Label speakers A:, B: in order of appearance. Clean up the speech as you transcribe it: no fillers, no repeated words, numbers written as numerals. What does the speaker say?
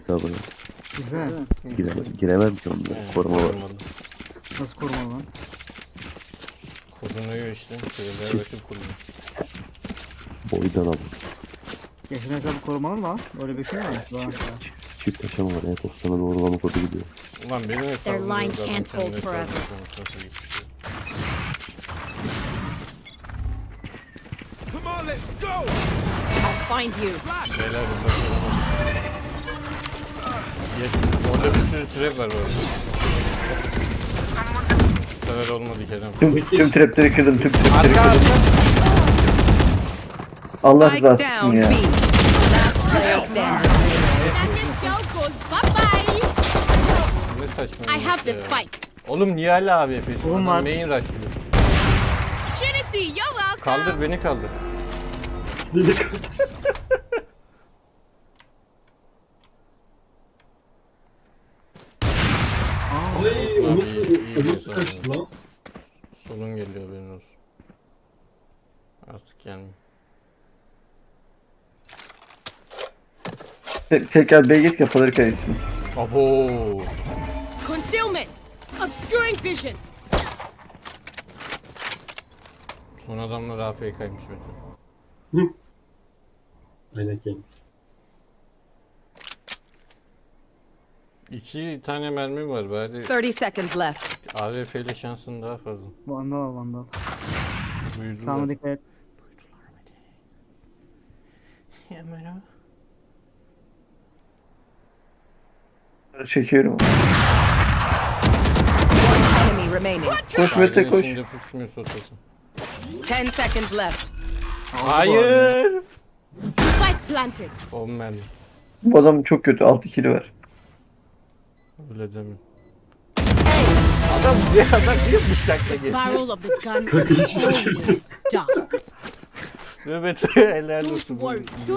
A: hesabına.
B: Güzel.
A: Giremem ki onunla. Koruma var.
C: Olmadı.
B: Nasıl koruma lan?
C: Korunuyor işte. Şöyle rakip korunuyor.
A: Boydan al.
B: Yaşın hesabı korumalı mı lan? Öyle bir şey mi var?
A: Çift aşama var. E-postana doğrulama kodu gidiyor.
C: Ulan benim hesabım.
D: line can't hold forever.
E: Come on, let's go!
D: I'll find you.
C: Beyler burada orada bir sürü trap var bu arada. Bu sefer olmadı Kerem.
F: Tüm trapleri kırdım, tüm trapleri
C: Arka
F: kırdım.
C: arka.
F: Allah
D: Spike
F: rızası
D: down
F: için ya.
D: B. Last player standing.
G: And this girl goes bye-bye.
C: Ne saçma.
G: I have the
C: ya.
G: spike.
C: Oğlum niye hala abi yapıyorsun?
B: Oğlum
C: Adam
B: var.
C: main rushlıyor.
G: Trinity, you're welcome.
C: Kaldır beni kaldır.
H: Ay o
C: Abi,
H: nasıl,
C: iyi
H: o nasıl
C: bir
H: kaçtı
C: insan.
H: lan?
C: Solun geliyor benim olsun. Artık gelmiyor.
F: Tekrar B'ye git kafaları kayısın.
C: Abo.
G: Concealment. Obscuring vision.
C: Son adamlar AFK'ymış Mete.
H: Aynen kendisi.
C: 2 tane mermi var bari
D: 30 seconds left.
C: AWP ile şansın daha fazla.
B: Vandal al vandal.
C: Duydular.
B: Sağına dikkat et.
C: Hemen
F: Çekiyorum.
D: Enemy remaining.
F: Koş Mete koş.
C: Şimdi pusmuyor sotası.
D: 10 seconds left.
C: Hayır.
G: Spike planted.
C: 10 mermi.
F: Bu adam çok kötü, 6 kilo var.
C: Öyle deme. Adam niye bıçakla geçti?
G: Barrel of the gun is always dark.
C: Mehmet helal olsun.
G: Don't worry.